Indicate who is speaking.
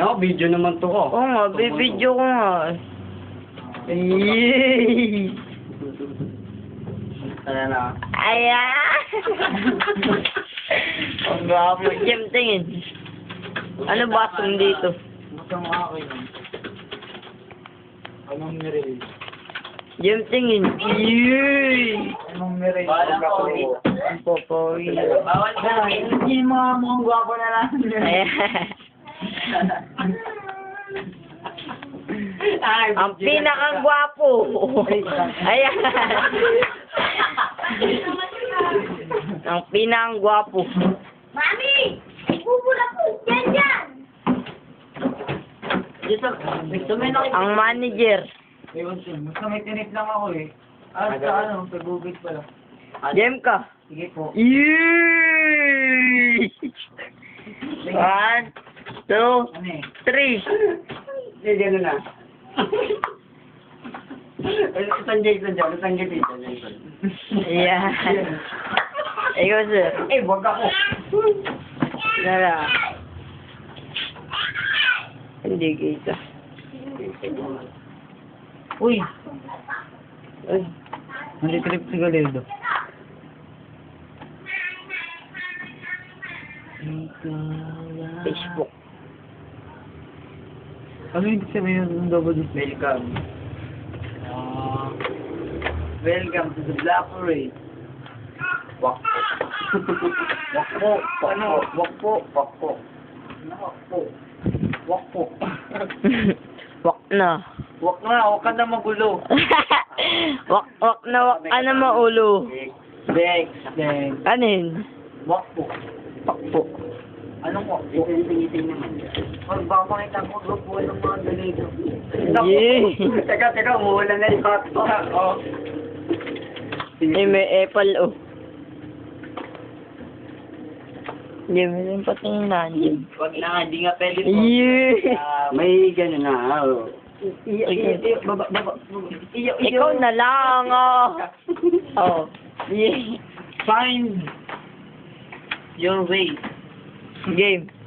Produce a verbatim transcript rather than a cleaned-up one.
Speaker 1: Ako, video naman to ko.
Speaker 2: Oo nga, bibidyo ko nga. Yay!
Speaker 1: Ayan na.
Speaker 2: Ayan! Ang gwapo. Jem, tingin. Ano ba asong dito?
Speaker 1: Gusto mo ako yun. Anong meron?
Speaker 2: Jem, tingin. Yay!
Speaker 1: Anong meron?
Speaker 3: Bala ko,
Speaker 2: Ang popoy.
Speaker 3: Bawal ka.
Speaker 1: Hindi mga mukhang gwapo na lang.
Speaker 2: Ayan.
Speaker 1: Ay,
Speaker 2: Ang pinakagwapo. Ayan. Ang pinakagwapo.
Speaker 4: Mami! Bubula po! Yan yan!
Speaker 1: Dito, gusto mo yung nakikita.
Speaker 2: Ang manager.
Speaker 1: Ewan siya, basta may tinip lang ako eh. Ah, sa ano, sa Google pala.
Speaker 2: Jem ka.
Speaker 1: Sige po.
Speaker 2: Yay! One, two,
Speaker 1: Ano eh?
Speaker 2: three.
Speaker 1: Hindi, gano'n na. Isang Jason dyan, isang Jason. Jason.
Speaker 2: Ayan. Ikaw, sir.
Speaker 1: Eh, wag ako.
Speaker 2: Nara. Hindi kita.
Speaker 1: Uy,
Speaker 2: Uy.
Speaker 1: hindi trip si Galindo.
Speaker 2: Facebook.
Speaker 1: Ano yung sabihin ng double this? Welcome. Uh, welcome to the Black Parade. Wak po. Wak po. Ano? Wak po. Wak po. Ano wak po? Wak po.
Speaker 2: Wak na.
Speaker 1: Wak na. Wak ka na magulo.
Speaker 2: wak, wak na wak ka na maulo.
Speaker 1: Dex. Dex.
Speaker 2: Anin?
Speaker 1: Wak po.
Speaker 2: Pak po.
Speaker 1: Anong wak po? Iting-iting naman. Huwag ba makita mo grupo ng mga Galindo?
Speaker 2: Yay!
Speaker 1: Teka, teka. Umuulan na yung hot pot. Oh.
Speaker 2: Eh, may apple, oh. Jem, yung patingnan, Jem.
Speaker 1: Wag na, hindi nga pwede po.
Speaker 2: Yay!
Speaker 1: Ah, may gano'n na, oh.
Speaker 2: Iyo,
Speaker 1: iyo, iyo, baba, baba, iyo, iyo.
Speaker 2: Ikaw na lang, oh. Oh. Yay!
Speaker 1: Find your way.
Speaker 2: Game.